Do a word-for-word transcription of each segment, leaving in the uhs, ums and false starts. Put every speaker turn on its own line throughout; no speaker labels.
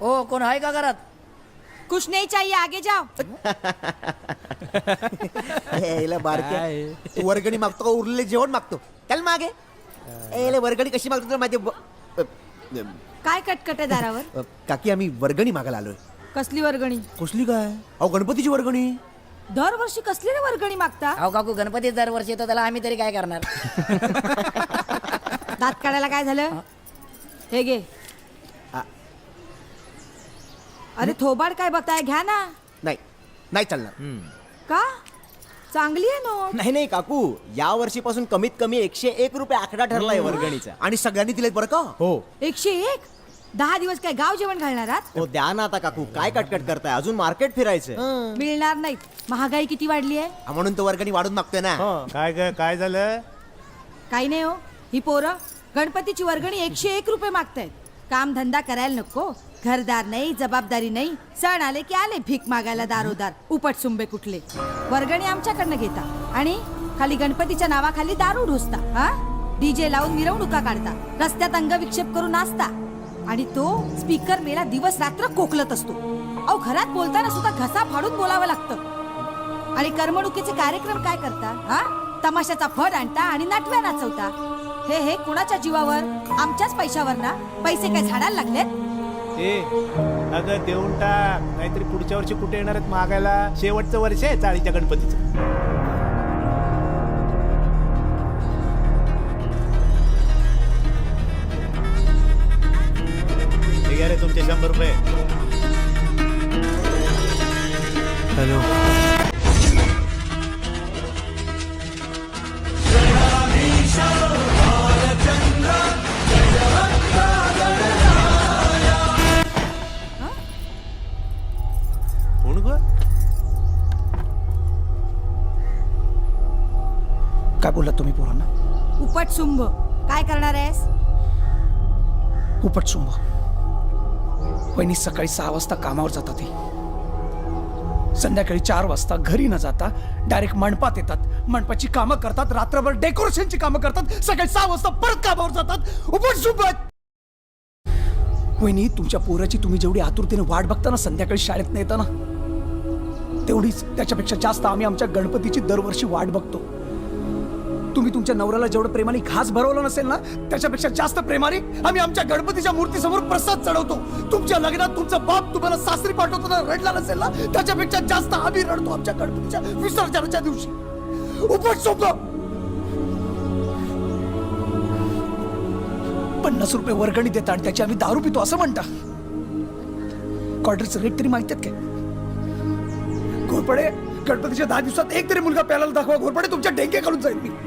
ओ कोण आहे का घरात?
कुछ नहीं चाहिए, आगे जाओ.
एला बारक्या तू वर्गणी मागतो का उरलेले जेवण मागतो? चल मागे. एला वर्गणी कशी मागतो तर माझे
काय कटकट आहे दारावर?
काकी आम्ही वर्गणी मागायला आलोय.
कसली वर्गणी?
कसली काय? अहो गणपतीची वर्गणी.
दरवर्षी कसली रे वर्गणी मागता?
अहो काकू गणपती दरवर्षी येतो, त्याला आम्ही तरी काय करणार?
दात काढायला काय झालं? हे घे. अरे थोबाड काय बघताय, घ्या ना.
नाही नाही चालणार.
का? चांगली आहे नोट.
नाही नाही काकू, या वर्षीपासून कमीत कमी एकशे एक रुपये आकडा ठरलाय वर्गणीचा.
आणि सगळ्यांनी दिलेत बरं का?
हो.
एकशे एक? दहा दिवस काय गाव जेवण घालणार आहात?
हो द्या ना आता काकू, काय कटकट करताय, अजून मार्केट फिरायचं.
मिळणार नाहीत, महागाई किती वाढली आहे.
हा, म्हणून तो वर्गणी वाढून मागतोय ना.
काय ग काय झालं?
काही नाही हो, ही पोरं गणपतीची वर्गणी एकशे एक रुपये मागतायत. काम धंदा करायला नको, घरदार नाही, जबाबदारी नाही, सण आले की आले भीक मागायला दारोदार. उपट सुंबे कुठले. वर्गणी आमच्याकडनं घेता आणि खाली गणपतीच्या नावाखाली दारू ढोसता. हा, डीजे लावून मिरवणुका काढता, रस्त्यात अंगविक्षेप करून नाचता आणि तो स्पीकर मेला दिवस रात्र कोकलत असतो. अहो घरात बोलताना सुद्धा घसा फाडून बोलावं लागतं. आणि करमणुकीचे कार्यक्रम काय करता? हा, तमाशाचा फड आणता आणि नाटव्या नाचवता. हे हे कुणाच्या जीवावर? आमच्याच पैशावर ना. पैसे काय झाडायला लागलेत?
ए अगं देऊन टाक, नाहीतरी पुढच्या वर्षी कुठे येणार आहेत मागायला? शेवटचं वर्ष आहे चाळीच्या गणपतीचं. हे घ्या रे तुमचे शंभर रुपये.
हॅलो.
कोण ग?
काय बोललात तुम्ही पोरांना?
उपट सुंभ. काय करणार आहेस?
उपटशुंभ. वहिनी सकाळी सहा वाजता कामावर जातात, ते संध्याकाळी चार वाजता घरी न जाता डायरेक्ट मंडपात येतात. मंडपाची कामं करतात, रात्रभर डेकोरेशनची कामं करतात, सकाळी सहा वाजता परत कामावर जातात. उपटशुंभ. वहिनी तुमच्या पोराची तुम्ही जेवढी आतुरतेने वाट बघता ना संध्याकाळी शाळेत न येताना, तेवढीच त्याच्यापेक्षा जास्त आम्ही आमच्या गणपतीची दरवर्षी वाट बघतो. तुम्ही तुमच्या नवऱ्याला जेवढं प्रेमाने घास भरवलं नसेल ना, त्याच्यापेक्षा जास्त प्रेमाने आम्ही आमच्या गणपतीच्या मूर्तीसमोर प्रसाद चढवतो. तुमच्या लग्नात तुमचा बाप तुम्हाला सासरी पाठवतो ना, रडला नसेल ना, त्याच्यापेक्षा जास्त आम्ही रडतो आमच्या गणपतीच्या विसर्जनाच्या दिवशी. उपटशुंभ. पन्नास रुपये वर्गणी देता आणि त्याची आम्ही दारू पितो असं म्हणता. क्वार्टरचं रेट तरी माहिती आहेत काय? घोरपडे, गणपतीच्या दहा दिवसात एक तरी मुलगा प्यायला दाखवा. घोरपडे तुमच्या डेंगे काढून जाईल मी.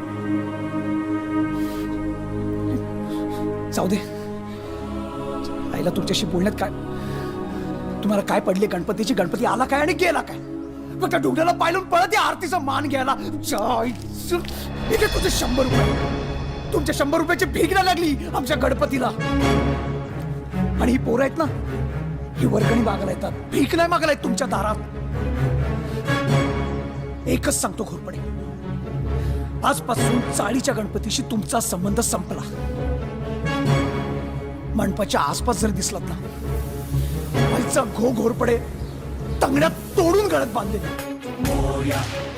जाऊ दे. आईला तुमच्याशी बोलण्यात काय, तुम्हाला काय पडले गणपतीची? गणपती आला काय आणि गेला काय? फक्त डोंगराला पायलून पळत या आरतीचा मान घ्यायला. इथे तुझे शंभर रुपये, तुमच्या शंभर रुपयाची भीक ना लागली आमच्या गणपतीला. आणि ही पोरं आहेत ना, ही वर्गणी मागायला येतात, भीक नाही मागायला येत तुमच्या दारात. एकच सांगतो घोरपडे, आजपासून चाळीच्या गणपतीशी तुमचा संबंध संपला. मंडपाच्या आसपास जर दिसलात ना, आईचा घो घोरपडे तंगड्यात तोडून गळत बांधले.